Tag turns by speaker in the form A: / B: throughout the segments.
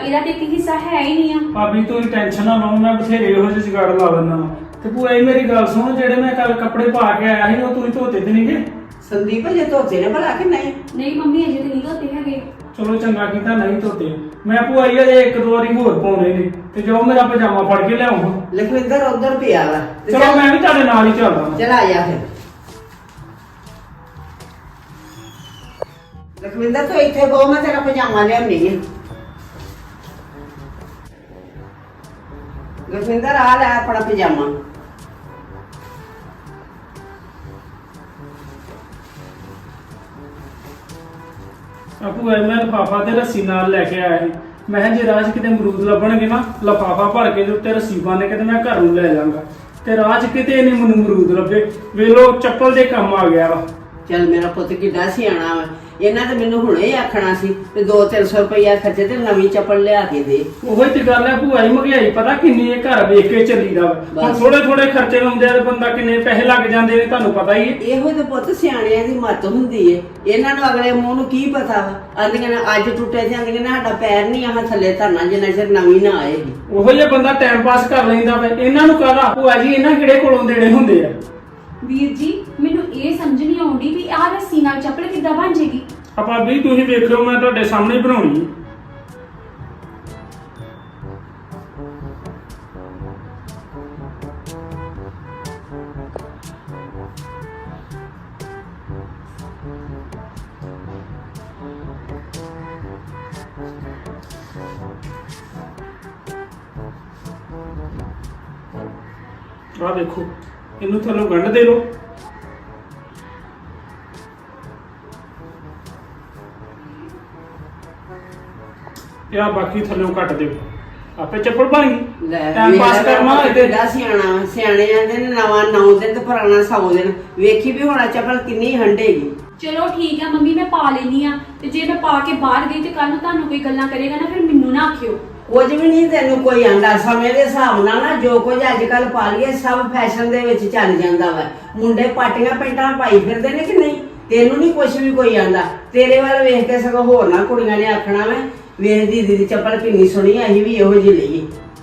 A: ਇਹਦਾ ਤੇ ਇੱਕ ਹਿੱਸਾ ਹੈ ਹੀ ਨਹੀਂ ਆ।
B: ਭਾਬੀ ਤੂੰ ਟੈਨਸ਼ਨ ਨਾ ਲਓ, ਮੈਂ ਬਥੇਰੇ ਇਹੋ ਜਿਹੇ ਜੁਗਾੜ ਲਾ ਦਿੰਦਾ ਵਾ। ਤੇ ਭੂਆ ਇਹ ਮੇਰੀ ਗੱਲ ਸੁਣ, ਜਿਹੜੇ ਮੈਂ ਕੱਲ ਕੱਪੜੇ ਪਾ ਕੇ ਆਇਆ ਸੀ ਉਹ ਤੂੰ ਧੋਤੇ ਤੇ ਨਹੀਂਗੇ?
C: ਸੰਦੀਪ ਜੇ ਧੋਤੇ ਨੇ ਭਲਾ ਕਿ ਨਹੀਂ?
A: ਨਹੀਂ ਮੰਮੀ ਅਜੇ ਤੇ ਨਹੀਂ ਧੋਤੇ ਹੈਗੇ।
B: ਚਲੋ ਚੰਗਾ ਕੀਤਾ ਨਹੀਂ ਧੋਤੇ। ਮੈਂ ਭੂਆ ਜੀ ਅਜੇ ਇੱਕ ਦੋ ਵਾਰੀ ਹੋਰ ਪਾਉਣੇ ਨੇ, ਤੇ ਜੋ ਮੇਰਾ ਪਜਾਮਾ ਫੜ ਕੇ ਲਿਆਉਂਗਾ।
C: ਲਖਵਿੰਦਰ ਉਧਰ ਪਿਆ ਵਾ।
B: ਚਲੋ ਮੈਂ ਵੀ ਤੁਹਾਡੇ ਨਾਲ ਹੀ ਚੱਲਦਾ।
C: ਚਲ ਆ ਜਾ ਫਿਰ। ਲਖਵਿੰਦਰ ਤੂੰ ਇੱਥੇ ਬੋ, ਮੈਂ ਤੇਰਾ ਪਜਾਮਾ ਲਿਆਉਣੀ ਹੈ। ਲਖਵਿੰਦਰ ਆ ਲੈ ਆਪਣਾ ਪਜਾਮਾ।
B: ਭੂਆ ਮੈਂ ਲਿਫਾਫਾ ਤੇ ਰੱਸੀ ਨਾਲ ਲੈ ਕੇ ਆਇਆ ਸੀ। ਮੈਂ ਕਿਹਾ ਜੇ ਰਾਹ 'ਚ ਕਿਤੇ ਅਮਰੂਦ ਲੱਭਣਗੇ ਨਾ, ਲਿਫਾਫਾ ਭਰ ਕੇ ਦੇ ਉੱਤੇ ਰੱਸੀ ਬੰਨ੍ਹ ਕੇ ਤੇ ਮੈਂ ਘਰ ਨੂੰ ਲੈ ਜਾਵਾਂਗਾ। ਤੇ ਰਾਹ 'ਚ ਕਿਤੇ ਨਹੀਂ ਮੈਨੂੰ ਅਮਰੂਦ ਲੱਭੇ, ਵੇਲੋ ਚੱਪਲ ਦੇ ਕੰਮ ਆ ਗਿਆ ਵਾ।
C: ਚੱਲ ਮੇਰਾ ਪੁੱਤ ਕਿੱਡਾ ਸਿਆਣਾ ਵਾ। ਇਹਨਾਂ ਤੇ ਮੈਨੂੰ ਹੁਣੇ ਹੀ ਆਖਣਾ ਸੀ ਤੇ 200-300 ਰੁਪਇਆ ਖਰਚੇ ਤੇ ਨਵੀਂ ਚੱਪਲ ਲਿਆ ਕੇ ਦੇ।
B: ਉਹੀ ਤੇ ਗੱਲ ਹੈ ਭੂਆ ਜੀ, ਮਹਿੰਗਾਈ ਪਤਾ ਕਿੰਨੀ ਹੈ, ਘਰ ਵੇਖ ਕੇ ਚੱਲੀਦਾ ਵਾ। ਹੁਣ ਥੋੜੇ ਥੋੜੇ ਖਰਚੇ ਲਾਉਂਦੇ ਆ ਤੇ ਬੰਦਾ ਕਿੰਨੇ ਪੈਸੇ ਲੱਗ ਜਾਂਦੇ ਨੇ ਤੁਹਾਨੂੰ ਪਤਾ ਹੀ ਹੈ।
C: ਇਹੋ ਤੇ ਪੁੱਤ ਸਿਆਣਿਆਂ ਦੀ ਮੱਤ ਹੁੰਦੀ ਏ। ਇਹਨਾਂ ਨੂੰ ਅਗਲੇ ਮੂੰਹ ਨੂੰ ਕੀ ਪਤਾ ਵਾ। ਆਂਦੀਆਂ ਨੇ ਅੱਜ ਟੁੱਟੇ ਤੇ ਆਂਦੀਆਂ ਨੇ ਸਾਡਾ ਪੈਰ ਨਹੀਂ ਆਹ ਥੱਲੇ ਧਰਨਾ ਜਿੰਨਾ ਚਿਰ ਨਵੀਂ ਨਾ ਆਏਗੀ।
B: ਉਹੋ ਜਿਹਾ ਬੰਦਾ ਟਾਈਮ ਪਾਸ ਕਰ ਲੈਂਦਾ ਵਾ। ਇਹਨਾਂ ਨੂੰ ਕਾਹਦਾ ਭੂਆ ਜੀ, ਇਹਨਾਂ ਕਿਹੜੇ ਕੋਲੋਂ ਦੇਣੇ ਹੁੰਦੇ ਆ।
A: ਵੀਰ ਜੀ ਮੈਨੂੰ ਇਹ ਸਮਝ ਨਹੀਂ ਆਉਂਦੀ ਵੀ ਆਹ ਰੱਸੀ ਨਾਲ ਚੱਪਲ ਕਿੱਦਾਂ ਬਣ ਜੇਗੀ।
B: ਆਪਾਂ ਵੀ ਤੁਸੀਂ ਵੇਖ ਲਓ, ਮੈਂ ਤੁਹਾਡੇ ਸਾਹਮਣੇ ਬਣਾਉਣੀ ਹੈ। ਆ ਦੇਖੋ, ਇਹਨੂੰ ਥੱਲੋਂ ਗੰਢ ਦੇ ਲਓ। ਯਾ ਬਾਕੀ ਥੱਲੋਂ ਕੱਟ ਦਿਓ, ਆਪੇ ਚੱਪਲ ਬਣ ਗਈ। ਟਾਈਮ ਪਾਸ ਕਰਨਾ ਇਹਦੇ।
C: ਕਿੱਡਾ ਸਿਆਣਾ। ਸਿਆਣੇ ਆਂਦੇ ਨੇ ਨਵਾਂ 9 ਦਿਨ ਤੇ ਪੁਰਾਣਾ 100 ਦਿਨ। ਵੇਖੀ ਵੀ ਹੋਣਾ ਚੱਪਲ ਕਿੰਨੀ ਹੰਡੇਗੀ।
A: ਚਲੋ ਠੀਕ ਆ ਮੰਮੀ, ਮੈਂ ਪਾ ਲੈਣੀ ਆ। ਤੇ ਜੇ ਮੈਂ ਪਾ ਕੇ ਬਾਹਰ ਗਈ ਤੇ ਕੱਲ ਨੂੰ ਤੁਹਾਨੂੰ ਕੋਈ ਗੱਲਾਂ ਕਰੇਗਾ ਨਾ, ਫਿਰ ਮੈਨੂੰ ਨਾ ਆਖਿਓ।
C: ਕੁਝ ਵੀ ਨਹੀਂ ਤੈਨੂੰ ਕੋਈ ਆਂਦਾ। ਸਮੇਂ ਦੇ ਹਿਸਾਬ ਨਾਲ ਨਾ ਜੋ ਕੁਝ ਅੱਜ ਕੱਲ ਪਾ ਲਈਏ ਸਭ ਫੈਸ਼ਨ ਦੇ ਵਿੱਚ ਚੱਲ ਜਾਂਦਾ ਵਾ। ਮੁੰਡੇ ਪਾਟੀਆਂ ਪੈਂਟਾਂ ਪਾਈ ਫਿਰਦੇ ਨੇ ਕਿ ਨਹੀਂ? ਤੈਨੂੰ ਨਹੀਂ ਕੁਝ ਵੀ ਕੋਈ ਆਂਦਾ। ਤੇਰੇ ਵੱਲ ਵੇਖ ਕੇ ਸਗੋਂ ਹੋਰ ਨਾ ਕੁੜੀਆਂ ਨੇ ਆਖਣਾ ਵਾ ਵੇਖ ਦੀਦੀ ਦੀ ਚੱਪਲ ਕਿੰਨੀ ਸੋਹਣੀ, ਅਸੀਂ ਵੀ ਇਹੋ ਜਿਹੀ ਲਈਏ।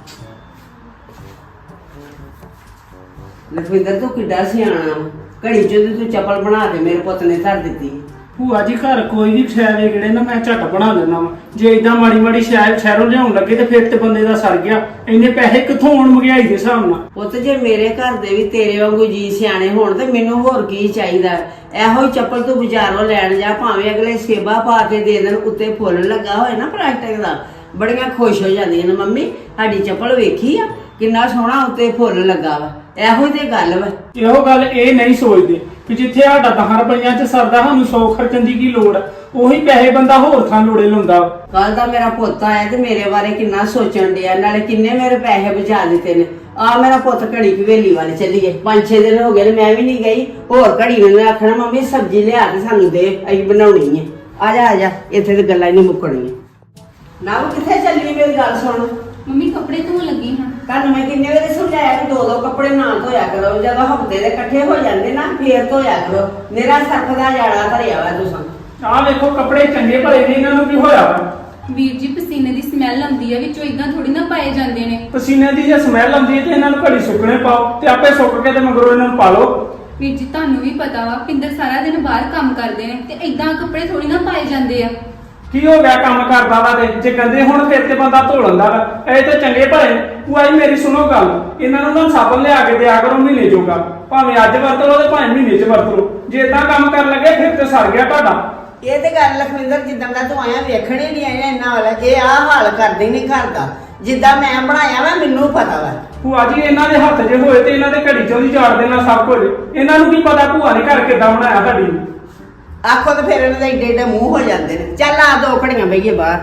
C: ਲਖਵਿੰਦਰ ਤੂੰ ਕਿੱਡਾ ਸਿਆਣਾ। ਘੜੀ ਚੋਂ ਤੂੰ ਚੱਪਲ ਬਣਾ ਕੇ ਮੇਰੇ ਪੁੱਤ ਨੇ ਧਰ ਦਿੱਤੀ।
B: ਭੂਆ ਜੀ ਘਰ ਕੋਈ ਵੀ ਸ਼ੈ ਵੇ ਕਿਹੜੇ ਨਾ ਮੈਂ ਝੱਟ ਬਣਾ ਦਿੰਦਾ ਵਾ। ਜੇ ਇਦਾਂ ਮਾੜੀ ਮਾੜੀ ਸ਼ਹਿਰੋਂ ਲਿਆਉਣ ਲੱਗੇ ਤੇ ਫਿਰ ਤੇ ਬੰਦੇ ਦਾ ਸਰ ਗਿਆ। ਇੰਨੇ ਪੈਸੇ ਕਿੱਥੋਂ ਆਉਣ ਮਹਿੰਗਾਈ ਦੇ ਹਿਸਾਬ ਨਾਲ।
C: ਪੁੱਤ ਜੇ ਮੇਰੇ ਘਰ ਦੇ ਵੀ ਤੇਰੇ ਵਾਂਗੂ ਜੀ ਸਿਆਣੇ ਹੋਣ ਤੇ ਮੈਨੂੰ ਹੋਰ ਕੀ ਚਾਹੀਦਾ। ਇਹੋ ਹੀ ਚੱਪਲ ਤੂੰ ਬਾਜ਼ਾਰੋਂ ਲੈਣ ਜਾ, ਭਾਵੇਂ ਅਗਲੇ ਸੇਬਾ ਪਾ ਕੇ ਦੇ ਦੇਣ, ਉੱਤੇ ਫੁੱਲ ਲੱਗਾ ਹੋਏ ਨਾ ਪਲਾਸਟਿਕ ਦਾ, ਬੜੀਆਂ ਖੁਸ਼ ਹੋ ਜਾਂਦੀਆਂ ਨੇ। ਮੰਮੀ ਸਾਡੀ ਚੱਪਲ ਵੇਖੀ ਆ ਕਿੰਨਾ ਸੋਹਣਾ ਉੱਤੇ ਫੁੱਲ ਲੱਗਾ ਵਾ। ਇਹੋ ਤੇ ਗੱਲ ਵਾ।
B: ਇਹੋ ਗੱਲ ਇਹ ਨਹੀਂ ਸੋਚਦੇ ਕਿ ਜਿੱਥੇ ਸਾਡਾ 10 ਰੁਪਈਆਂ ਚ ਸਰਦਾ, ਸਾਨੂੰ 100 ਖਰਚਣ ਦੀ ਕੀ ਲੋੜ। ਉਹੀ ਪੈਸੇ ਬੰਦਾ ਹੋਰ ਥਾਂ ਲੋੜੇ ਲਾਉਂਦਾ।
C: ਕੱਲ ਦਾ ਮੇਰਾ ਪੁੱਤ ਆਇਆ ਤੇ ਮੇਰੇ ਬਾਰੇ ਕਿੰਨਾ ਸੋਚਣ ਡਿਆ, ਨਾਲੇ ਕਿੰਨੇ ਮੇਰੇ ਪੈਸੇ ਬਚਾ ਦਿੱਤੇ ਨੇ। ਆ ਮੇਰਾ ਪੁੱਤ ਘੜੀ ਹਵੇਲੀ ਵੱਲ ਚੱਲੀਏ। 5-6 ਦਿਨ ਹੋ ਗਏ ਨੇ ਮੈਂ ਵੀ ਨਹੀਂ ਗਈ। ਹੋਰ ਘੜੀ ਨੇ ਆਖਣਾ ਮੰਮੀ ਸਬਜ਼ੀ ਲਿਆ ਕੇ ਸਾਨੂੰ ਦੇ, ਅਸੀਂ ਬਣਾਉਣੀ ਹੈ। ਆ ਜਾ ਇੱਥੇ ਤੇ ਗੱਲਾਂ ਹੀ ਨਹੀਂ ਮੁੱਕਣੀਆਂ। ਨਾ ਕਿੱਥੇ ਚੱਲੀ? ਮੇਰੀ ਗੱਲ ਸੁਣ।
A: ਮੰਮੀ ਕੱਪੜੇ ਧੋਣ ਲੱਗੀ ਹਾਂ।
C: ਤੁਹਾਨੂੰ ਮੈਂ ਕਿੰਨੇ ਵੇਲੇ ਸਮਝਾਇਆ ਕਿ 2-2 ਕੱਪੜੇ ਨਾ ਧੋਇਆ ਕਰੋ। ਜਦੋਂ ਹਫਤੇ ਦੇ ਇਕੱਠੇ ਹੋ ਜਾਂਦੇ ਨਾ ਫੇਰ ਧੋਇਆ ਕਰੋ। ਮੇਰਾ ਸਰਫ ਦਾ ਜਾੜਾ ਭਰਿਆ ਵਾ ਤੁਸੀਂ।
B: ਆਹ ਵੇਖੋ ਕੱਪੜੇ ਚੰਗੇ ਭਲੇ ਨੇ, ਇਹਨਾਂ ਨੂੰ ਕੀ ਹੋਇਆ ਵਾ?
A: ਵੀਰ ਜੀ ਪਸੀਨੇ ਦੀ ਸਮੈਲ ਆਉਂਦੀ ਆ ਵਿੱਚੋਂ, ਇਦਾਂ ਥੋੜੀ ਨਾ ਪਾਏ ਜਾਂਦੇ ਨੇ।
B: ਪਸੀਨੇ ਦੀ ਜੇ ਸਮੈਲ ਆਉਂਦੀ ਹੈ ਤੇ ਇਹਨਾਂ ਨੂੰ ਘੜੀ ਸੁੱਕਣੇ ਪਾਓ ਤੇ ਆਪੇ ਸੁੱਕ ਕੇ ਤੇ ਮਗਰੋਂ ਇਹਨਾਂ ਨੂੰ ਪਾ ਲਓ।
A: ਵੀਰ ਜੀ ਤੁਹਾਨੂੰ ਵੀ ਪਤਾ ਵਾ ਪਿੰਦਰ ਸਾਰਾ ਦਿਨ ਬਾਹਰ ਕੰਮ ਕਰਦੇ ਨੇ ਤੇ ਇਦਾਂ ਕੱਪੜੇ ਥੋੜੀ ਨਾ ਪਾਏ ਜਾਂਦੇ ਆ।
B: ਕੀ ਹੋ ਗਿਆ ਕੰਮ ਕਰਦਾ ਵਾ ਤੇ ਜੇ ਗੰਦੇ ਹੁਣ ਫਿਰ ਤੇ ਬੰਦਾ ਧੋ ਲੈਂਦਾ ਵਾ। ਇਹ ਤੇ ਚੰਗੇ ਭਲੇ। ਭੂਆ ਜੀ ਮੇਰੀ ਸੁਣੋ ਗੱਲ, ਇਹਨਾਂ ਨੂੰ ਨਾ ਸਾਬਣ ਲਿਆ ਕੇ ਦਿਆ ਕਰੋ ਮਹੀਨੇ ਜੋਗਾ। ਭਾਵੇਂ ਅੱਜ ਵਰਤ ਲਓ ਤੇ ਭਾਵੇਂ ਮਹੀਨੇ 'ਚ ਵਰਤ ਲਓ। ਜੇ ਏਦਾਂ ਕੰਮ ਕਰਨ ਲੱਗੇ ਫਿਰ ਤੇ ਸਰ ਗਿਆ ਤੁਹਾਡਾ।
C: ਇਹ ਤੇ ਗੱਲ ਲਖਵਿੰਦਰ ਜਿੱਦਾਂ ਦਾ ਤੂੰ ਆਇਆ ਵੇਖਣ ਹੀ ਨਹੀਂ ਆਇਆ ਇਹਨਾਂ ਵਾਲਾ। ਇਹ ਆਹ ਹਾਲ ਕਰਦੇ ਨਹੀਂ ਘਰ ਦਾ। ਜਿੱਦਾਂ ਮੈਂ ਬਣਾਇਆ ਵਾ ਮੈਨੂੰ ਪਤਾ ਵਾ।
B: ਭੂਆ ਜੀ ਇਹਨਾਂ ਦੇ ਹੱਥ ਜੇ ਹੋਏ ਤੇ ਇਹਨਾਂ ਦੇ ਘੜੀ 'ਚੋਂ ਦੀ ਝਾੜ ਦੇਣਾ ਸਭ ਕੁਝ। ਇਹਨਾਂ ਨੂੰ ਕੀ ਪਤਾ ਭੂਆ ਨੇ ਘਰ ਕਿੱਦਾਂ ਬਣਾਇਆ ਤੁਹਾਡੀ।
C: ਆਖੋ ਤੇ ਫਿਰ ਇਹਨਾਂ ਦੇ ਏਡੇ ਮੂੰਹ ਹੋ ਜਾਂਦੇ ਨੇ। ਚੱਲ ਆ 2 ਘੜੀਆਂ ਬਈਏ ਬਾਹਰ।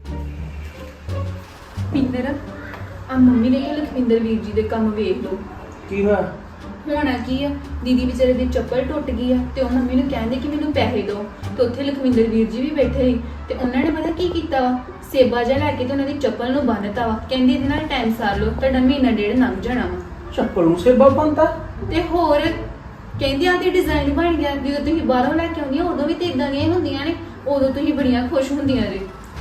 A: ਪਿੰਦਰ ਆ ਮੰਮੀ ਨੇ ਕਿਹਾ ਲਖਵਿੰਦਰ ਵੀਰ ਜੀ ਦੇ ਕੰਮ ਵੇਖ ਲਓ।
B: ਕੀ ਹੋਇਆ?
A: ਹੋਣਾ ਕੀ ਆ, ਦੀਦੀ ਵਿਚਾਰੇ ਦੀ ਚੱਪਲ ਟੁੱਟ ਗਈ ਆ ਤੇ ਉਹ ਮੰਮੀ ਨੂੰ ਕਹਿੰਦੇ ਕਿ ਮੈਨੂੰ ਪੈਸੇ ਦਿਓ। ਤੇ ਉੱਥੇ ਲਖਵਿੰਦਰ ਵੀਰ ਜੀ ਵੀ ਬੈਠੇ ਸੀ ਤੇ ਉਹਨਾਂ ਨੇ ਪਤਾ ਕੀ ਕੀਤਾ ਵਾ, ਸੇਬਾ ਜਿਹਾ ਲੈ ਕੇ ਤੇ ਉਹਨਾਂ ਦੀ ਚੱਪਲ ਨੂੰ ਬੰਨਤਾ ਵਾ। ਕਹਿੰਦੀ ਇਹਦੇ ਨਾਲ ਟਾਈਮ ਸਾਰ ਲਓ, ਤੁਹਾਡਾ ਮਹੀਨਾ ਡੇਢ ਲੰਘ ਜਾਣਾ ਵਾ।
B: ਚੱਪਲ ਨੂੰ ਸੇਬਾ ਬੰਨਤਾ?
A: ਤੇ ਹੋਰ ਕਹਿੰਦੀ ਆ ਤੇ ਡਿਜ਼ਾਈਨ ਬਣ ਗਿਆ। ਜਦੋਂ ਤੁਸੀਂ ਬਾਹਰੋਂ ਲੈ ਕੇ ਆਉਂਦੀਆਂ ਉਦੋਂ ਵੀ ਤੇ ਇਦਾਂ ਦੀਆਂ ਹੀ ਹੁੰਦੀਆਂ ਨੇ। ਉਦੋਂ ਤੁਸੀਂ ਬੜੀਆਂ ਖੁਸ਼ ਹੁੰਦੀਆਂ ਜੇ।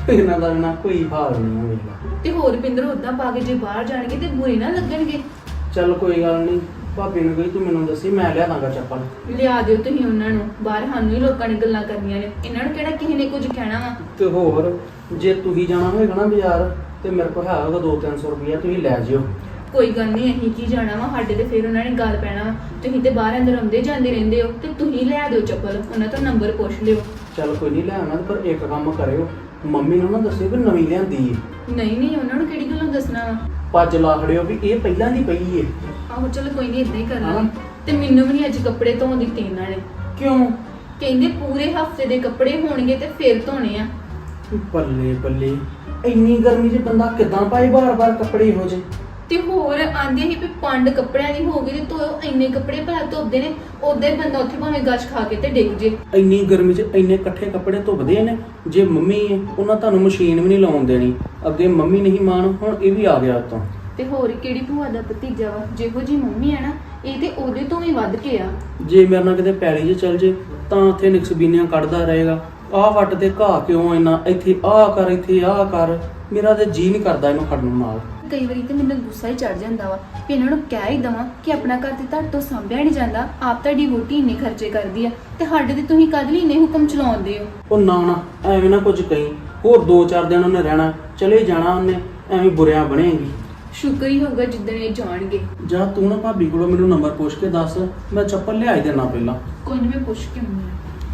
D: ਇਹਨਾਂ ਦਾ ਨਾ ਕੋਈ ਹਾਲ ਨਹੀਂ ਹੋਏਗਾ।
A: ਤੇ ਹੋਰ ਪਿੰਦਰ ਉਦਾਂ ਪਾ ਕੇ ਜੇ ਬਾਹਰ ਜਾਣਗੇ ਤੇ ਬੁਰੇ ਨਾ ਲੱਗਣਗੇ।
D: ਚੱਲ ਕੋਈ ਗੱਲ ਨਹੀਂ, ਭਾਬੀ ਨੂੰ ਕਹੀ ਤੂੰ ਮੈਨੂੰ ਦੱਸੀ, ਮੈਂ ਲਿਆ ਦਾਂਗਾ ਚੱਪਲ।
A: ਲਿਆ ਦਿਓ ਤੁਸੀਂ ਉਹਨਾਂ ਨੂੰ, ਬਾਹਰ ਸਾਨੂੰ ਹੀ ਲੋਕਾਂ ਨੇ ਗੱਲਾਂ ਕਰਨੀਆਂ ਨੇ, ਇਹਨਾਂ ਨੂੰ ਕਿਹੜਾ ਕਿਸੇ ਨੇ ਕੁਝ ਕਹਿਣਾ ਵਾ।
D: ਤੇ ਹੋਰ ਜੇ ਤੁਸੀਂ ਜਾਣਾ ਹੋਏਗਾ ਨਾ ਬਾਜ਼ਾਰ ਤੇ ਮੇਰੇ ਕੋਲ ਹੈਗਾ 200-300 ਰੁਪਇਆ, ਤੁਸੀਂ ਲੈ ਜਿਓ।
A: ਕੋਈ ਗੱਲ ਨਹੀਂ, ਅਸੀਂ ਕੀ ਜਾਣਾ ਵਾ, ਸਾਡੇ ਤੇ ਫਿਰ ਉਹਨਾਂ ਨੇ ਗੱਲ ਪੈਣਾ ਵਾ। ਤੁਸੀਂ ਤੇ ਬਾਹਰ ਅੰਦਰ ਆਉਂਦੇ ਜਾਂਦੇ ਰਹਿੰਦੇ ਹੋ, ਤੇ ਤੁਸੀਂ ਲੈ ਦਿਓ ਚੱਪਲ, ਉਹਨਾਂ ਤੋਂ ਨੰਬਰ ਪੁੱਛ ਲਿਓ।
D: ਚੱਲ ਕੋਈ ਨਹੀਂ ਲੈ ਆਉਣਾ, ਪਰ ਇੱਕ ਕੰਮ ਕਰਿਓ, ਮੰਮੀ ਨੂੰ ਨਾ ਦੱਸਿਓ ਕਿ ਨਵੀਂ ਲਿਆਂਦੀ ਏ।
A: ਨਹੀਂ ਉਹਨਾਂ ਨੂੰ ਕਿਹੜੀ ਗੱਲੋਂ ਦੱਸਣਾ ਵਾ।
D: ਪੱਜ ਲਾ ਖੜਿਓ ਵੀ ਇਹ ਪਹਿਲਾਂ ਦੀ ਪਈ ਏ।
A: ਆਹੋ ਚਲੋ ਕੋਈ ਨਹੀਂ, ਇਦਾਂ ਹੀ ਕਰ
D: ਹਾਂ।
A: ਲਾਂਗੇ। ਤੇ ਮੈਨੂੰ ਵੀ ਨਹੀਂ ਅੱਜ ਕੱਪੜੇ ਧੋਣ ਦਿੱਤੇ ਇਹਨਾਂ ਨੇ।
D: ਕਿਉਂ?
A: ਕਹਿੰਦੇ ਪੂਰੇ ਹਫਤੇ ਦੇ ਕੱਪੜੇ ਹੋਣਗੇ ਤੇ ਫਿਰ ਧੋਣੇ ਆ।
D: ਬੱਲੇ ਬੱਲੇ, ਇੰਨੀ ਗਰਮੀ 'ਚ ਬੰਦਾ ਕਿੱਦਾਂ ਪਾਏ ਬਾਰ-ਬਾਰ ਕੱਪੜੇ ਇਹੋ ਜਿਹੇ।
A: ਤੇ ਹੋਰ ਆਂਦੇ ਹੀ ਵੀ ਪੰਡ ਕੱਪੜਿਆਂ ਦੀ ਹੋ ਗਈ ਤੇ ਧੋਓ, ਇੰਨੇ ਕੱਪੜੇ ਭਲਾ ਧੋਦੇ ਨੇ। ਉਦਾਂ ਹੀ ਬੰਦਾ ਉੱਥੇ ਭਾਵੇਂ ਗੱਜ ਖਾ ਕੇ ਤੇ ਡਿੱਗ ਜੇ।
D: ਇੰਨੀ ਗਰਮੀ 'ਚ ਇੰਨੇ ਇਕੱਠੇ ਕੱਪੜੇ ਧੁੱਪਦੇ ਨੇ। ਜੇ ਮੰਮੀ ਏ ਉਹਨਾਂ ਤੁਹਾਨੂੰ ਮਸ਼ੀਨ ਵੀ ਨਹੀਂ ਲਾਉਣ ਦੇਣੀ। ਅੱਗੇ ਮੰਮੀ ਨਹੀਂ ਮਾਣ, ਹੁਣ ਇਹ ਵੀ ਆ ਗਿਆ ਉਤੋਂ।
A: ਤੇ ਹੋਰ ਕਿਹੜੀ ਭੂਆ ਦਾ ਭਤੀਜਾ ਵਾ, ਜਿਹੋ ਜੀ ਮੰਮੀ ਆ ਨਾ, ਇਹ ਤੇ ਉਹਦੇ ਤੋਂ ਵੀ ਵੱਧ ਕੇ ਆ।
D: ਜੇ ਮੇਰੇ ਨਾਲ ਕਿਤੇ ਪੈਲੀ 'ਚ ਚੱਲ ਜੇ ਤਾਂ ਉੱਥੇ ਨਿਕਸਬੀਨੀਆਂ ਕੱਢਦਾ ਰਹੇਗਾ। ਆਹ ਵੱਟ ਤੇ ਘਾਹ ਕਿਉਂ ਇੰਨਾ, ਇੱਥੇ ਆਹ ਕਰ, ਇੱਥੇ ਆਹ ਕਰ। ਮੇਰਾ ਤੇ ਜੀ ਨਹੀਂ ਕਰਦਾ ਇਹਨੂੰ ਖੜਨ ਨੂੰ ਨਾਲ।
A: ਕਈ ਵਾਰੀ ਤੇ ਮੈਨੂੰ ਗੁੱਸਾ ਹੀ ਚੜ ਜਾਂਦਾ ਵਾ ਕਿ ਇਹਨਾਂ ਨੂੰ ਕਹਿ ਹੀ ਦਵਾਂ ਕਿ ਆਪਣਾ ਘਰ ਤੇ ਤੁਹਾਡੇ ਤੋਂ ਸਾਂਭਿਆ ਨਹੀਂ ਜਾਂਦਾ, ਆਪ ਤੁਹਾਡੀ ਵੋਟੀ ਇੰਨੇ ਖਰਚੇ ਕਰਦੀ ਆ ਤੇ ਸਾਡੇ ਤੇ ਤੁਸੀਂ ਕਦ ਲਈ ਇੰਨੇ ਹੁਕਮ ਚਲਾਉਂਦੇ ਹੋ।
D: ਉਹ ਨਾ ਐਵੇਂ ਨਾ ਕੁਝ ਕਹੀਂ, ਹੋਰ 2-4 ਦਿਨ ਉਹਨੇ ਰਹਿਣਾ, ਚਲੇ ਜਾਣਾ ਉਹਨੇ, ਐਵੇਂ ਬੁਰਿਆਂ ਬਣੇਗੀ।
A: ਸ਼ੁਕਰ ਹੀ ਹੋਊਗਾ ਜਿੱਦਣ ਇਹ ਜਾਣਗੇ।
D: ਜਾਂ ਤੂੰ ਨਾ ਭਾਬੀ ਕੋਲੋਂ ਮੈਨੂੰ ਨੰਬਰ ਪੁੱਛ ਕੇ ਦੱਸ, ਮੈਂ ਚੱਪਲ ਲਿਆਈ ਦੇਣਾ ਪਹਿਲਾਂ।
A: ਕੋਈ ਨਹੀਂ, ਮੈਂ ਪੁੱਛ ਕੇ ਆਉਂਦੀ ਹਾਂ।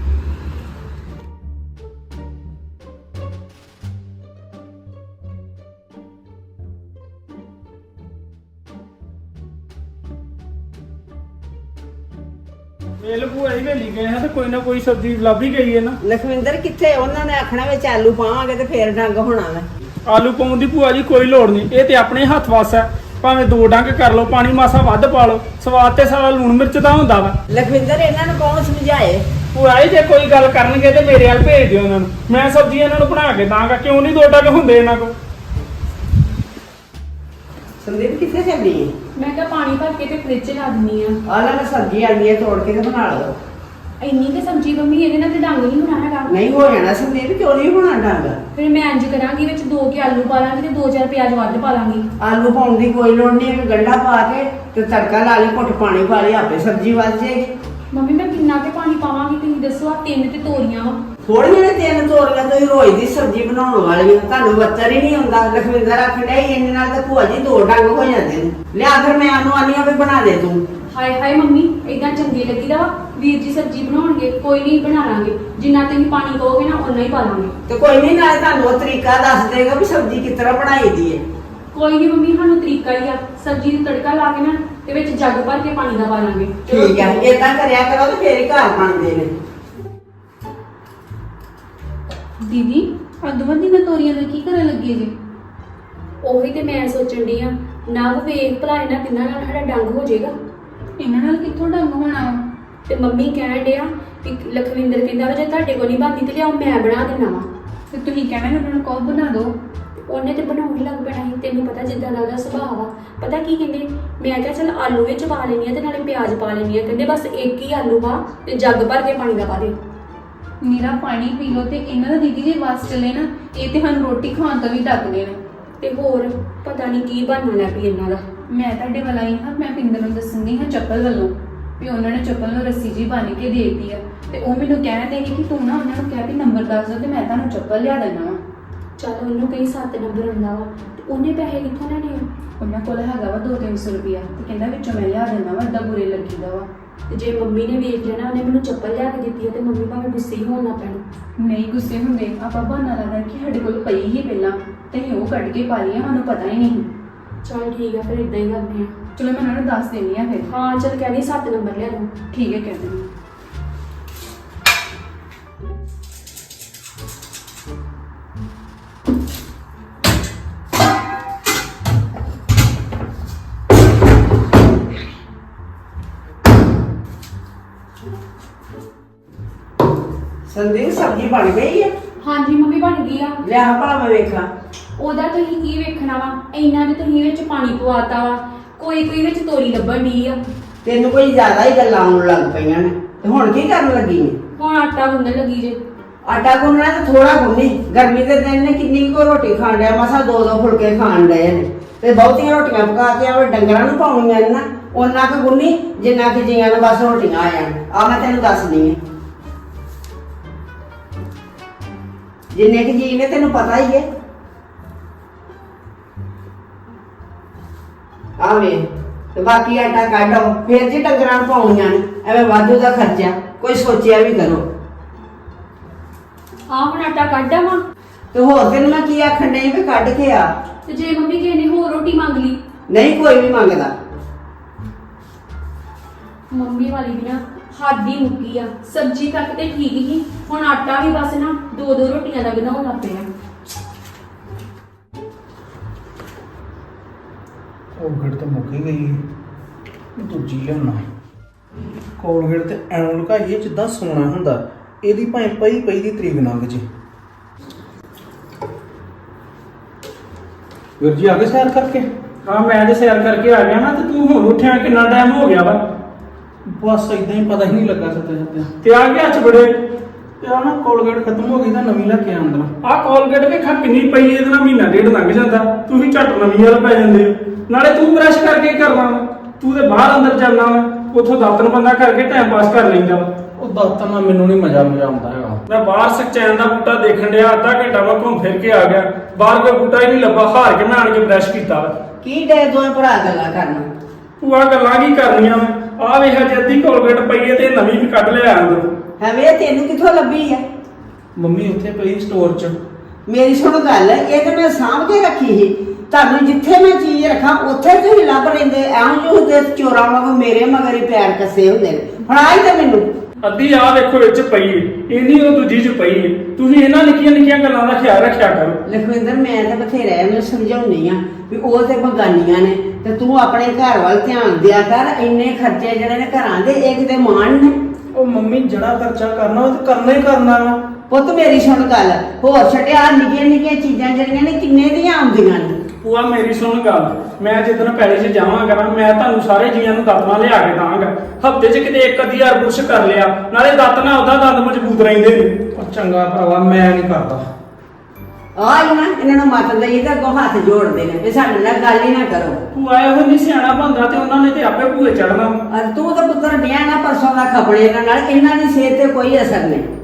B: ਵੇਲ ਭੂਆ ਜੀ ਵੇਲੀ ਗਏ ਹਾਂ ਤੇ ਕੋਈ ਨਾ ਕੋਈ ਸਬਜ਼ੀ ਲੱਭ ਹੀ ਗਈ ਹੈ ਨਾ।
C: ਲਖਵਿੰਦਰ ਕਿੱਥੇ? ਉਹਨਾਂ ਨੇ ਆਖਣਾ ਵਿੱਚ ਆਲੂ ਪਾਵਾਂਗੇ ਤੇ ਫੇਰ ਡੰਗ ਹੋਣਾ ਵਾ।
B: ਆਲੂ ਪਾਉਣ ਦੀ ਭੂਆ ਜੀ ਕੋਈ ਲੋੜ ਨਹੀਂ, ਇਹ ਤੇ ਆਪਣੇ ਹੱਥ ਵੱਸ ਹੈ। ਭਾਵੇਂ 2 ਡੰਗ ਕਰ ਲਓ, ਪਾਣੀ ਮਾਸਾ ਵੱਧ ਪਾ ਲਓ, ਸਵਾਦ ਤੇ ਸਾਰਾ ਲੂਣ ਮਿਰਚ ਦਾ ਹੁੰਦਾ ਵਾ।
C: ਲਖਵਿੰਦਰ ਇਹਨਾਂ ਨੂੰ ਕੌਣ ਸਮਝਾਏ?
B: ਭੂਆ ਜੀ ਜੇ ਕੋਈ ਗੱਲ ਕਰਨਗੇ ਤੇ ਮੇਰੇ ਵੱਲ ਭੇਜ ਦਿਓ ਇਹਨਾਂ ਨੂੰ, ਮੈਂ ਸਬਜ਼ੀ ਇਹਨਾਂ ਨੂੰ ਬਣਾ ਕੇ ਦਾਂਗਾ। ਕਿਉਂ ਨਹੀਂ 2 ਡੰਗ ਹੁੰਦੇ ਇਹਨਾਂ ਕੋਲ।
C: ਸੰਦੀਪ ਕਿੱਥੇ ਚੱਲੀ ਹੈ?
E: ਮੈਂ ਕਿਹਾ ਪਾਣੀ ਭਰ ਕੇ ਤੇ ਫ੍ਰਿਜ 'ਚ ਲਾ ਦਿੰਨੀ ਆ।
C: ਆਹ ਲੈ ਮੈਂ ਸਬਜ਼ੀ ਆਂਦੀ ਹੈ, ਤੋੜ ਕੇ ਤੇ ਬਣਾ ਲਓ।
E: ਇੰਨੀ ਤੇ ਸਬਜ਼ੀ ਮੰਮੀ ਇਹਦੇ ਨਾਲ ਤੇ ਡੰਗ ਨਹੀਂ ਹੋਣਾ ਹੈਗਾ।
C: ਨਹੀਂ ਹੋ ਜਾਣਾ ਸੰਦੀਪ, ਕਿਉਂ ਨਹੀਂ ਹੋਣਾ ਡੰਗ?
E: ਫਿਰ ਮੈਂ ਇੰਜ ਕਰਾਂਗੀ, ਵਿੱਚ 2 ਕੇ ਆਲੂ ਪਾ ਲਾਂਗੀ ਤੇ 2-4 ਪਿਆਜ਼ ਵੱਧ ਪਾ ਲਾਂਗੀ।
C: ਆਲੂ ਪਾਉਣ ਦੀ ਕੋਈ ਲੋੜ ਨਹੀਂ, ਇੱਕ ਗੰਢਾ ਪਾ ਕੇ ਤੇ ਤੜਕਾ ਲਾ ਲਈ, ਘੁੱਟ ਪਾਣੀ ਪਾ ਲਈ, ਆਪੇ ਸਬਜ਼ੀ ਵੱਜ ਜਾਏਗੀ।
E: ਮੰਮੀ ਮੈਂ ਕਿੰਨਾ ਕੇ ਪਾਣੀ ਪਾਵਾਂਗੀ ਤੁਸੀਂ ਦੱਸੋ? ਆ 3 ਤੇ ਤੋਰੀਆਂ ਵਾ।
C: ਥੋੜੀਆਂ ਨੇ 3 ਤੋਰੀਆਂ, ਤੁਸੀਂ ਰੋਜ਼ ਦੀ ਸਬਜ਼ੀ ਬਣਾਉਣ ਵਾਲੀ ਹੋ, ਤੁਹਾਨੂੰ ਬੱਚਰ ਹੀ ਨਹੀਂ ਹੁੰਦਾ। ਲਖਵਿੰਦਰ ਆਖਣ ਡਿਆ ਸੀ ਇੰਨੇ ਨਾਲ ਤਾਂ ਭੂਆ ਜੀ 2 ਡੰਗ ਹੋ ਜਾਂਦੇ ਨੇ। ਲਿਆ ਫਿਰ ਮੈਂ ਉਹਨੂੰ ਆਨੀ ਆ ਵੀ ਬਣਾ ਦੇ ਤੂੰ।
E: ਹਾਏ ਹਾਏ ਮੰਮੀ, ਏਦਾਂ ਚੰਗੀ ਲੱਗੀਦਾ ਵਾ। ਵੀਰ ਜੀ ਸਬਜ਼ੀ ਬਣਾਉਣਗੇ, ਕੋਈ ਨਹੀਂ ਬਣਾ ਲਾਂਗੇ। ਜਿੰਨਾ ਤੁਸੀਂ ਪਾਣੀ ਕਹੋਗੇ ਨਾ ਓਨਾ ਹੀ ਪਾ ਲਾਂਗੇ।
C: ਤੇ ਕੋਈ ਨਹੀਂ, ਨਾਲੇ ਤੁਹਾਨੂੰ ਉਹ ਤਰੀਕਾ ਦੱਸ ਦੇਗਾ ਵੀ ਸਬਜ਼ੀ ਕਿਸ ਤਰ੍ਹਾਂ ਬਣਾਈ ਦੀ ਹੈ।
E: ਕੋਈ ਨਹੀਂ ਮੰਮੀ, ਸਾਨੂੰ ਤਰੀਕਾ ਹੀ ਆ। ਸਬਜ਼ੀ ਨੂੰ ਤੜਕਾ ਲਾ ਕੇ ਨਾ ਤੇ ਵਿੱਚ ਜੱਗ ਭਰ ਕੇ ਪਾਣੀ ਦਾ ਪਾ ਲਾਂਗੇ।
C: ਠੀਕ ਹੈ, ਏਦਾਂ ਕਰਿਆ ਕਰੋ ਤੇ ਫੇਰ ਹੀ ਘਰ ਬਣਦੇ ਨੇ।
A: ਦੀਦੀ ਅੱਧਵਾਂ ਦੀਆਂ ਤੋਰੀਆਂ ਦਾ ਕੀ ਕਰਨ ਲੱਗੇ ਜੀ?
E: ਉਹੀ ਤੇ ਮੈਂ ਸੋਚਣ ਡਈ ਆ, ਨਵ ਵੇਖ ਭਲਾ ਇਹਨਾਂ ਤਿੰਨਾਂ ਨਾਲ ਸਾਡਾ ਡੰਗ ਹੋ ਜਾਏਗਾ।
A: ਇਹਨਾਂ ਨਾਲ ਕਿੱਥੋਂ ਡੰਗ ਹੋਣਾ ਵਾ?
E: ਤੇ ਮੰਮੀ ਕਹਿਣ ਡਿਆ ਕਿ ਲਖਵਿੰਦਰ ਕਹਿੰਦਾ ਵਾ ਜੇ ਤੁਹਾਡੇ ਕੋਲ ਨਹੀਂ ਬਣਦੀ ਤੇ ਲਿਆਓ ਮੈਂ ਬਣਾ ਦਿੰਦਾ ਵਾ।
A: ਤੇ ਤੁਸੀਂ ਕਹਿਣਾ ਕਿ ਉਹਨਾਂ ਨੂੰ ਕਹੋ ਬਣਾ ਦਿਓ।
E: ਉਹਨੇ ਤੇ ਬਣਾਉਣ ਹੀ ਲੱਗ ਪੈਣਾ ਸੀ। ਤੈਨੂੰ ਪਤਾ ਜਿੱਦਾਂ ਦਾ ਉਹਦਾ ਸੁਭਾਅ ਵਾ। ਪਤਾ ਕੀ ਕਹਿੰਦੇ, ਮੈਂ ਕਿਹਾ ਚੱਲ ਆਲੂ ਵਿੱਚ ਪਾ ਲੈਣੀ ਆ ਤੇ ਨਾਲੇ ਪਿਆਜ਼ ਪਾ ਲੈਣੀ ਆ। ਕਹਿੰਦੇ ਬਸ ਇੱਕ ਹੀ ਆਲੂ ਪਾ ਤੇ ਜੱਗ ਭਰ ਕੇ ਪਾਣੀ ਦਾ ਪਾ ਦੇ।
A: ਨੀਰਾ ਪਾਣੀ ਪੀ ਲਓ। ਤੇ ਇਹਨਾਂ ਦਾ ਦੀਦੀ ਜੇ ਵਾਸ ਚੱਲੇ ਨਾ, ਇਹ ਤੇ ਸਾਨੂੰ ਰੋਟੀ ਖਾਣ ਤੋਂ ਵੀ ਡੱਕਦੇ ਨੇ।
E: ਤੇ ਹੋਰ ਪਤਾ ਨਹੀਂ ਕੀ ਬਣਨਾ ਲੱਗ ਪਈ ਇਹਨਾਂ ਦਾ।
A: ਮੈਂ ਤੁਹਾਡੇ ਵੱਲ ਆਈ ਹਾਂ, ਮੈਂ ਪਿੰਦਰ ਨੂੰ ਦੱਸਣੀ ਹਾਂ ਚੱਪਲ ਵੱਲੋਂ ਵੀ ਉਹਨਾਂ ਨੇ ਚੱਪਲ ਨੂੰ ਰੱਸੀ ਜੀ ਬੰਨ੍ਹ ਕੇ ਦੇ ਦਿੱਤੀ ਆ। ਤੇ ਉਹ ਮੈਨੂੰ ਕਹਿੰਦੇ ਸੀ ਕਿ ਤੂੰ ਨਾ ਉਹਨਾਂ ਨੂੰ ਕਹਿ ਵੀ ਨੰਬਰ ਦੱਸ ਦਿਓ ਤੇ ਮੈਂ ਤੁਹਾਨੂੰ ਚੱਪਲ ਲਿਆ ਦੇਣਾ ਵਾ।
E: ਚੱਲ ਉਹਨੂੰ ਕਹੀ 7 ਨੰਬਰ ਹੁੰਦਾ ਵਾ ਤੇ ਉਹਨੇ ਪੈਸੇ ਕਿੱਥੋਂ ਲੈਣੇ ਆ?
A: ਉਹਨਾਂ ਕੋਲ ਹੈਗਾ ਵਾ 200-300 ਰੁਪਇਆ ਤੇ ਕਹਿੰਦਾ ਵਿੱਚੋਂ ਮੈਂ ਲਿਆ ਦੇਣਾ ਵਾ, ਏਦਾਂ ਬੁਰੇ ਲੱਗੀਦਾ ਵਾ।
E: ਤੇ ਜੇ ਮੰਮੀ ਨੇ ਵੇਖ ਲੈਣਾ ਉਹਨੇ ਮੈਨੂੰ ਚੱਪਲ ਲਿਆ ਕੇ ਦਿੱਤੀ ਆ ਤੇ ਮੰਮੀ ਭਾਵੇਂ ਗੁੱਸੇ ਹੀ ਹੋਣ ਲੱਗ ਪੈਣਾ।
A: ਨਹੀਂ ਗੁੱਸੇ ਹੁੰਦੇ, ਆਪਾਂ ਬਹਾਨਾ ਲਾਦਾ ਕਿ ਸਾਡੇ ਕੋਲ ਪਈ ਹੀ ਪਹਿਲਾਂ ਤੇ ਅਸੀਂ ਉਹ ਕੱਢ ਕੇ ਪਾ ਲਈਆਂ, ਸਾਨੂੰ ਪਤਾ ਹੀ ਨਹੀਂ।
E: ਚੱਲ ਠੀਕ ਆ, ਫਿਰ ਇਦਾਂ ਹੀ ਕਰਦੇ ਆ।
A: ਚਲੋ ਮੈਂ ਉਹਨਾਂ ਨੂੰ ਦੱਸ ਦੇਣੀ ਆ ਫਿਰ।
E: ਹਾਂ ਚੱਲ ਕਹਿੰਦੀ 7 ਨੰਬਰ ਲਿਆ ਦੋ।
A: ਠੀਕ ਹੈ, ਕਹਿ ਦਿੰਦੀ।
C: ਸੰਦੀਪ ਸਬਜ਼ੀ ਬਣ ਗਈ ਹੈ?
E: ਹਾਂਜੀ ਮੰਮੀ ਬਣ ਗਈ ਆ।
C: ਲਿਆ ਭਲਾ ਮੈਂ ਵੇਖਾਂ।
E: ਉਹਦਾ ਤੁਸੀਂ ਕੀ ਵੇਖਣਾ ਵਾ? ਇੰਨਾ ਦੇ ਤੁਸੀਂ ਵਿੱਚ ਪਾਣੀ ਪਵਾਤਾ ਵਾ। ਕੋਈ ਵਿੱਚ ਤੋਰੀ ਲੱਭਣ ਦੀ ਆ।
C: ਤੈਨੂੰ ਕੋਈ ਜ਼ਿਆਦਾ ਹੀ ਗੱਲਾਂ ਆਉਣ ਲੱਗ ਪਈਆਂ ਨੇ ਤੇ ਹੁਣ ਕੀ ਕਰਨ ਲੱਗੀ ਨੇ?
E: ਹੁਣ ਆਟਾ ਗੁੰਨਣ ਲੱਗੀ ਜੇ।
C: ਆਟਾ ਗੁੰਨਣਾ ਤੇ ਥੋੜਾ ਗੁੰਨੀ, ਗਰਮੀ ਦੇ ਦਿਨ ਨੇ ਕਿੰਨੀ ਕੋ ਰੋਟੀ ਖਾਣ ਡਿਆ, ਮਸਾ 2-2 ਫੁਲਕੇ ਖਾਣ ਡਏ ਨੇ ਤੇ ਬਹੁਤੀਆਂ ਰੋਟੀਆਂ ਪਕਾ ਕੇ ਆਵੇ ਡੰਗਰਾਂ ਨੂੰ ਪਾਉਣੀਆਂ ਨੇ ਨਾ, ਉਹਨਾਂ ਕੁ ਗੁੰਨੀ ਜਿੰਨਾ ਕਿ ਜੀਆਂ ਨੂੰ ਬਸ ਰੋਟੀਆਂ ਆ ਜਾਣ। ਆ ਮੈਂ ਤੈਨੂੰ ਦੱਸਦੀ ਆ, ਜਿੰਨੇ ਕਿ ਜੀ ਨੇ ਤੈਨੂੰ ਪਤਾ ਹੀ ਹੈ। ਆਵੇ ਤੇ ਬਾਕੀ ਆਟਾ ਕੱਢੋ, ਫੇਰ ਜੀ ਡੰਗਰਾਂ ਨੂੰ ਪਾਉਣੀਆਂ ਨੇ, ਐਵੇਂ ਵਾਧੂ ਦਾ ਖਰਚਾ ਕੋਈ ਸੋਚਿਆ ਵੀ ਕਰੋ।
E: ਆ ਹੁਣ ਆਟਾ ਕੱਢ ਆਵਾਂ
C: ਤੇ ਹੋਰ ਤੈਨੂੰ ਮੈਂ ਕੀ ਆਖਣ ਡਈ ਵੀ ਕੱਢ ਕੇ ਆ।
E: ਤੇ ਜੇ ਮੰਮੀ ਕਿਸੇ ਨੇ ਹੋਰ ਰੋਟੀ ਮੰਗ ਲਈ?
C: ਨਹੀਂ ਕੋਈ ਵੀ ਮੰਗਦਾ।
E: ਮੰਮੀ ਵਾਲੀ ਵੀ ਨਾ ਹੱਦ ਹੀ ਮੁੱਕੀ ਆ, ਸਬਜ਼ੀ ਤੱਕ ਤੇ ਠੀਕ ਹੀ, ਹੁਣ ਆਟਾ ਵੀ ਬਸ ਨਾ 2-2 ਰੋਟੀਆਂ ਦਾ ਬਣਾਉਣ ਲੱਗ ਪਿਆ।
D: ਕੋਲਗੇਟ ਤਾਂ ਮੁੱਕ ਹੀ ਗਈ, ਦੂਜੀ ਲਿਆਉਣਾ। ਕੋਲਗੇਟ ਤੇ ਐਂ ਲੁਕਾਈਏ ਜਿੱਦਾਂ ਸੋਨਾ ਹੁੰਦਾ, ਇਹਦੀ ਭਾਵੇਂ ਪਈ ਦੀ ਤਰੀਕ ਲੰਘ ਜੇ। ਵੀਰ ਜੀ ਆ ਗਏ ਸੈਰ ਕਰਕੇ?
B: ਹਾਂ ਮੈਂ ਤੇ ਸੈਰ ਕਰਕੇ ਆ ਗਿਆ ਨਾ, ਤੇ ਤੂੰ ਹੁਣ ਉੱਠਿਆ ਕਿੰਨਾ ਟਾਈਮ ਹੋ ਗਿਆ ਵਾ?
D: ਬਸ ਇਦਾਂ ਹੀ ਪਤਾ ਹੀ ਨਹੀਂ ਲੱਗਾ ਸੱਤੇ
B: ਤੇ ਆ ਗਿਆ ਚ ਬੜੇ
D: ਤੇ ਆ ਨਾ ਕੋਲਗੇਟ ਖਤਮ ਹੋ ਗਈ ਤਾਂ ਨਵੀਂ ਲੈ ਕੇ ਆਉਂਦਾ।
B: ਆਹ ਕੋਲਗੇਟ ਵੇਖਾ ਕਿੰਨੀ ਪਈ, ਇਹਦੇ ਨਾਲ ਮਹੀਨਾ ਡੇਢ ਲੰਘ ਜਾਂਦਾ, ਤੁਸੀਂ ਝੱਟ ਨਵੀਂ ਵਾਲ ਪੈ ਜਾਂਦੇ ਹੋ। ਨਾਲੇ ਤੂੰ ਬ੍ਰਸ਼ ਕਰਕੇ ਕੀ ਕਰਨਾ ਵਾ? ਤੂੰ ਤੇ ਬਾਹਰ ਅੰਦਰ ਜਾਂਦਾ ਵਾ, ਉੱਥੋਂ ਦਾਤਨ ਬੰਦਾ ਕਰਕੇ ਟਾਈਮ ਪਾਸ ਕਰ ਲੈਂਦਾ ਵਾ।
D: ਉਹ ਦਾਤਾਂ ਨਾਲ ਮੈਨੂੰ ਨਹੀਂ ਮਜ਼ਾ ਆਉਂਦਾ ਹੈਗਾ।
B: ਮੈਂ ਬਾਹਰ ਸਕਚੈਨ ਦਾ ਬੂਟਾ ਦੇਖਣ ਡਿਆ, ਅੱਧਾ ਘੰਟਾ ਮੈਂ ਘੁੰਮ ਫਿਰ ਕੇ ਆ ਗਿਆ, ਬਾਹਰ ਕੋਈ ਬੂਟਾ ਹੀ ਨਹੀਂ ਲੱਭਾ, ਹਾਰ ਕੇ ਮੈਂ ਆਣ ਕੇ ਬ੍ਰਸ਼ ਕੀਤਾ ਵਾ।
C: ਕੀ ਡੇ ਦੋਵੇਂ ਭਰਾ ਗੱਲਾਂ ਕਰਨਾ?
B: ਤੂੰ ਆ ਗੱਲਾਂ ਕੀ ਕਰਨੀਆਂ ਵਾ? ਆਹ ਵੇਖ ਜੇ ਅੱਧੀ ਕੋਲਗੇਟ ਪਈ ਹੈ ਤੇ ਨਵੀਂ ਵੀ ਕੱਢ ਲਿਆ ਅੰਦਰੋਂ।
C: ਹੈ ਵੇ ਤੈਨੂੰ ਕਿੱਥੋਂ ਲੱਭੀ ਆ?
D: ਮੰਮੀ ਉੱਥੇ ਪਈ ਸਟੋਰ 'ਚ।
C: ਮੇਰੀ ਸੁਣ ਗੱਲ, ਇਹ ਤੇ ਮੈਂ ਸਾਂਭ ਕੇ ਰੱਖੀ ਸੀ। ਤੁਹਾਨੂੰ ਜਿੱਥੇ ਮੈਂ ਚੀਜ਼ ਰੱਖਾਂ ਉੱਥੇ ਤੁਸੀਂ ਲੱਭ ਲੈਂਦੇ, ਐਉਂ ਜੋ ਹੁੰਦੇ ਚੋਰਾਂ ਵਾਂਗੂ ਮੇਰੇ ਮਗਰ ਹੀ ਪੈਰ ਕੱਸੇ ਹੁੰਦੇ ਨੇ। ਫੜਾਈ ਤੇ ਮੈਨੂੰ।
B: ਅੱਧੀ ਆਹ ਵੇਖੋ ਵਿੱਚ ਪਈ ਏ, ਇੰਨੀ ਉਹ ਦੂਜੀ 'ਚ ਪਈ ਏ। ਤੁਸੀਂ ਇਹਨਾਂ ਨਿੱਕੀਆਂ ਗੱਲਾਂ ਦਾ ਖਿਆਲ ਰੱਖਿਆ ਕਰੋ।
C: ਲਖਵਿੰਦਰ ਮੈਂ ਤਾਂ ਬਥੇਰਾ ਇਹਨੂੰ ਸਮਝਾਉਣੀ ਆ ਵੀ ਉਹ ਤੇ ਬਗਾਨੀਆਂ ਨੇ, ਤੇ ਤੂੰ ਆਪਣੇ ਘਰ ਵੱਲ ਧਿਆਨ ਦਿਆ ਕਰ। ਇੰਨੇ ਖਰਚੇ ਜਿਹੜੇ ਨੇ ਘਰਾਂ ਦੇ, ਇਹ ਕਿਤੇ ਮਾਣ ਨੇ?
D: ਉਹ ਮੰਮੀ ਜਿਹੜਾ ਖਰਚਾ ਕਰਨਾ ਉਹ ਤੇ ਕਰਨਾ ਹੀ ਕਰਨਾ ਵਾ।
C: ਪੁੱਤ ਮੇਰੀ ਸੁਣ ਗੱਲ, ਹੋਰ ਛੱਡਿਆ ਨਿੱਕੀਆਂ ਚੀਜ਼ਾਂ ਜਿਹੜੀਆਂ ਨੇ ਕਿੰਨੇ ਦੀਆਂ ਆਉਂਦੀਆਂ ਨੇ।
B: ਭੂਆ ਮੇਰੀ ਸੁਣ ਗੱਲ, ਮੈਂ ਜਿੱਦਣ ਪੈਲੇ 'ਚ ਜਾਵਾਂਗਾ ਨਾ, ਮੈਂ ਤੁਹਾਨੂੰ ਸਾਰੇ ਜੀਆਂ ਨੂੰ ਦਾਤਨਾ ਲਿਆ ਕੇ ਦਾਂਗਾ। ਹਫਤੇ 'ਚ ਕਿਤੇ ਇੱਕ ਅੱਧੀ ਵਾਰ ਬੁਰਸ਼ ਕਰ ਲਿਆ, ਨਾਲੇ ਦਾਤਨਾ ਉਹਦਾ ਦੰਦ ਮਜ਼ਬੂਤ ਰਹਿੰਦੇ ਨੇ।
D: ਉਹ ਚੰਗਾ ਭਰਾਵਾ ਮੈਂ ਨਹੀਂ ਕਰਦਾ।
C: ਆ ਹੀ ਨਾ ਇਹਨਾਂ ਨੂੰ ਮੱਤ ਦਈਏ ਤਾਂ ਅੱਗੋਂ ਹੱਥ ਜੋੜਦੇ ਨੇ ਵੀ ਸਾਡੇ ਨਾਲ ਗੱਲ ਹੀ ਨਾ ਕਰੋ।
B: ਭੂਆ ਇਹੋ ਨਹੀਂ ਸਿਆਣਾ ਬੰਦਾ, ਤੇ ਉਹਨਾਂ ਨੇ ਤੇ ਆਪੇ ਭੂਏ ਚੜਨਾ।
C: ਤੂੰ ਤਾਂ ਪੁੱਤਰ ਡਿਆ ਨਾ ਪਰਸੋਂ ਦਾ ਖਪੜੇ ਇਹਨਾਂ ਨਾਲ, ਇਹਨਾਂ ਦੀ ਸਿਹਤ ਤੇ ਕੋਈ ਅਸਰ ਨਹੀਂ।